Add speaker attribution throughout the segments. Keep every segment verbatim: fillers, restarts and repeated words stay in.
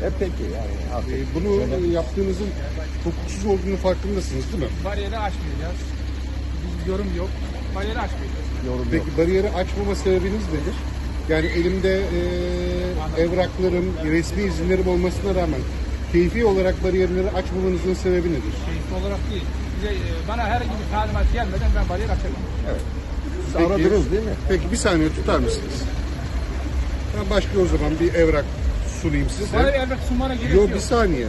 Speaker 1: E peki yani artık
Speaker 2: Ee, bunu
Speaker 1: şöyle-
Speaker 2: yaptığınızın hukuksuz olduğunu farkındasınız değil mi?
Speaker 3: Bariyeri açmayacağız. Biz yorum yok. Bariyeri açmayacağız.
Speaker 1: yorum yok.
Speaker 2: Peki bariyeri açmama sebebiniz nedir? Yani elimde e, evraklarım, resmi izinlerim olmasına rağmen keyfi olarak bariyerleri açmamanızın sebebi nedir?
Speaker 3: Keyifli olarak değil. Bize, e, bana herhangi bir talimat gelmeden ben bariyer açamam.
Speaker 1: Siz
Speaker 2: Peki.
Speaker 1: aradınız değil mi?
Speaker 2: Peki bir saniye tutar mısınız? Ben başka o zaman bir evrak sunayım size.
Speaker 3: Bana bir evrak sunmana gerek
Speaker 2: Yok
Speaker 3: yok.
Speaker 2: bir saniye.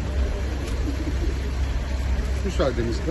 Speaker 2: Müsaadenizle.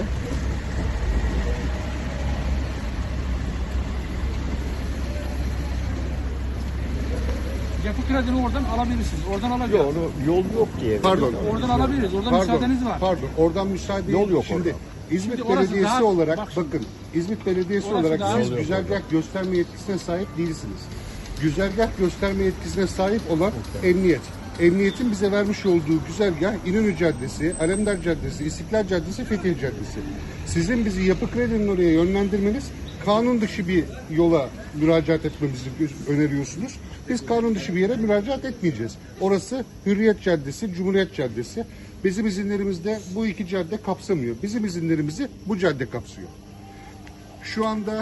Speaker 3: Yapı kredini oradan alabilirsiniz. Oradan alacağız.
Speaker 1: Yok onu yol yok ki.
Speaker 2: Pardon.
Speaker 3: Oradan alabiliriz. Oradan
Speaker 2: Pardon,
Speaker 3: müsaadeniz var.
Speaker 2: pardon. Oradan müsaade
Speaker 1: Yol yok
Speaker 2: Şimdi
Speaker 1: orada.
Speaker 2: İzmit
Speaker 3: Şimdi orası
Speaker 2: Belediyesi
Speaker 3: daha-
Speaker 2: olarak
Speaker 3: bak şimdi.
Speaker 2: bakın İzmit Belediyesi
Speaker 3: Orası
Speaker 2: olarak
Speaker 3: daha-
Speaker 2: siz
Speaker 1: Yol yok
Speaker 2: güzergah gösterme yetkisine sahip değilsiniz. Güzergah gösterme yetkisine sahip olan emniyet. Emniyetin bize vermiş olduğu güzergah İnönü Caddesi, Alemdar Caddesi, İstiklal Caddesi, Fethiye Caddesi. Sizin bizi Yapı Kredi'nin oraya yönlendirmeniz kanun dışı bir yola müracaat etmemizi öneriyorsunuz. Biz kanun dışı bir yere müracaat etmeyeceğiz. Orası Hürriyet Caddesi, Cumhuriyet Caddesi. Bizim izinlerimizde bu iki cadde kapsamıyor. Bizim izinlerimizi bu cadde kapsıyor. Şu anda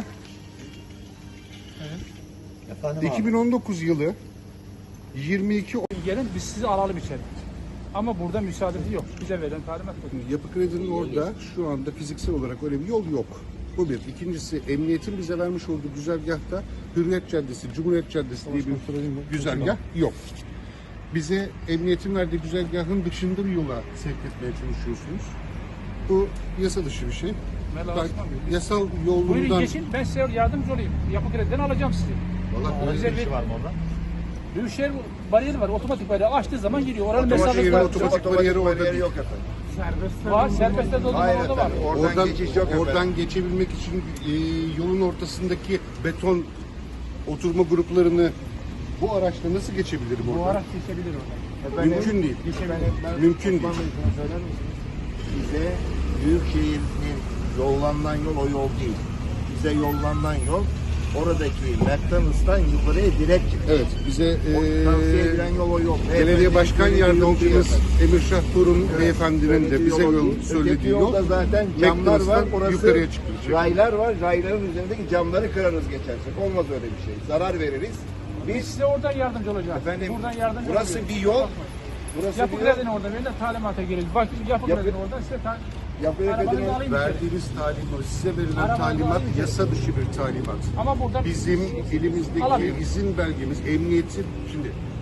Speaker 1: Efendim abi.
Speaker 2: iki bin on dokuz yılı yirmi iki
Speaker 3: Gelin biz sizi alalım içeri. Ama burada müsaadesi yok. Bize verilen talimat bu.
Speaker 2: Yapı Kredi'nin orada şu anda fiziksel olarak öyle bir yol yok. Bu bir. İkincisi emniyetin bize vermiş olduğu güzergahta Hürriyet Caddesi, Cumhuriyet Caddesi diye bir güzergah yok. Bize emniyetin verdiği güzergahın dışında bir yola sevk etmeye çalışıyorsunuz. Bu yasa dışı bir şey.
Speaker 3: Mela
Speaker 2: Ben
Speaker 3: Osman Bey.
Speaker 2: yasal
Speaker 3: Buyurun
Speaker 2: yolundan...
Speaker 3: geçin. Ben size yardımcı olayım. Yapı krediden alacağım sizi.
Speaker 2: Vallahi
Speaker 3: Bize bir
Speaker 1: var mı orada?
Speaker 3: Büyükşehir bariyeri var. Otomatik bariyeri açtığı zaman giriyor. Oranın
Speaker 2: Otomatik
Speaker 3: mesafesi
Speaker 2: yeri,
Speaker 3: var.
Speaker 2: otomatik bariyeri orada değil.
Speaker 1: yok efendim.
Speaker 3: Var. Serbestte de o zaman
Speaker 1: Hayır
Speaker 3: orada var.
Speaker 1: efendim. Oradan,
Speaker 2: Oradan,
Speaker 1: geçiş yok
Speaker 2: oradan
Speaker 1: efendim.
Speaker 2: geçebilmek için e, yolun ortasındaki beton oturma gruplarını bu araçla nasıl geçebilirim
Speaker 3: Bu
Speaker 2: oradan?
Speaker 3: araç geçebilir orada.
Speaker 1: Efendim,
Speaker 2: Mümkün değil.
Speaker 1: efendim, ben-
Speaker 2: Mümkün değil.
Speaker 1: Osman Bey, şunu söyler misiniz? Bize Büyükşehir'in yollanılan yol o yol değil. Bize yollanılan yol oradaki McDonald's'tan yukarıya direkt çıkıyor.
Speaker 2: Evet, bize
Speaker 1: O tavsiye
Speaker 2: e,
Speaker 1: edilen yol o yol.
Speaker 2: belediye başkan
Speaker 1: Beyefendi,
Speaker 2: yardımcımız
Speaker 1: yol değil
Speaker 2: Emirşah Torun
Speaker 1: efendim.
Speaker 2: beyefendinin de
Speaker 1: Söylediği
Speaker 2: bize
Speaker 1: yol o
Speaker 2: yol,
Speaker 1: değil.
Speaker 2: söylediği
Speaker 1: Öteki
Speaker 2: yol
Speaker 1: yolda zaten camlar var.
Speaker 2: McDonald's'tan
Speaker 1: Orası
Speaker 2: yukarıya çıkılacak.
Speaker 1: raylar var. Rayların üzerindeki camları kırarız geçersek. Olmaz öyle bir şey. Zarar veririz.
Speaker 3: Biz
Speaker 1: Biz
Speaker 3: size oradan yardımcı olacağız.
Speaker 1: efendim
Speaker 3: Buradan yardımcı
Speaker 1: burası
Speaker 3: olacağız.
Speaker 1: bir yol. Burası
Speaker 3: Yapı
Speaker 1: bir yol.
Speaker 3: kredini orada verin de talimata girelim. Bak yapı
Speaker 1: Yapı-
Speaker 3: kredini oradan size ta
Speaker 1: Yapı
Speaker 3: arabanızı
Speaker 1: kredini
Speaker 3: alayım içeri.
Speaker 2: Verdiğiniz talimat, size verilen
Speaker 3: Arabanızı
Speaker 2: talimat
Speaker 3: alayım.
Speaker 2: yasa dışı bir talimat.
Speaker 3: Ama buradan
Speaker 2: Bizim elimizdeki
Speaker 3: Alamıyorum.
Speaker 2: izin belgemiz, emniyetin, şimdi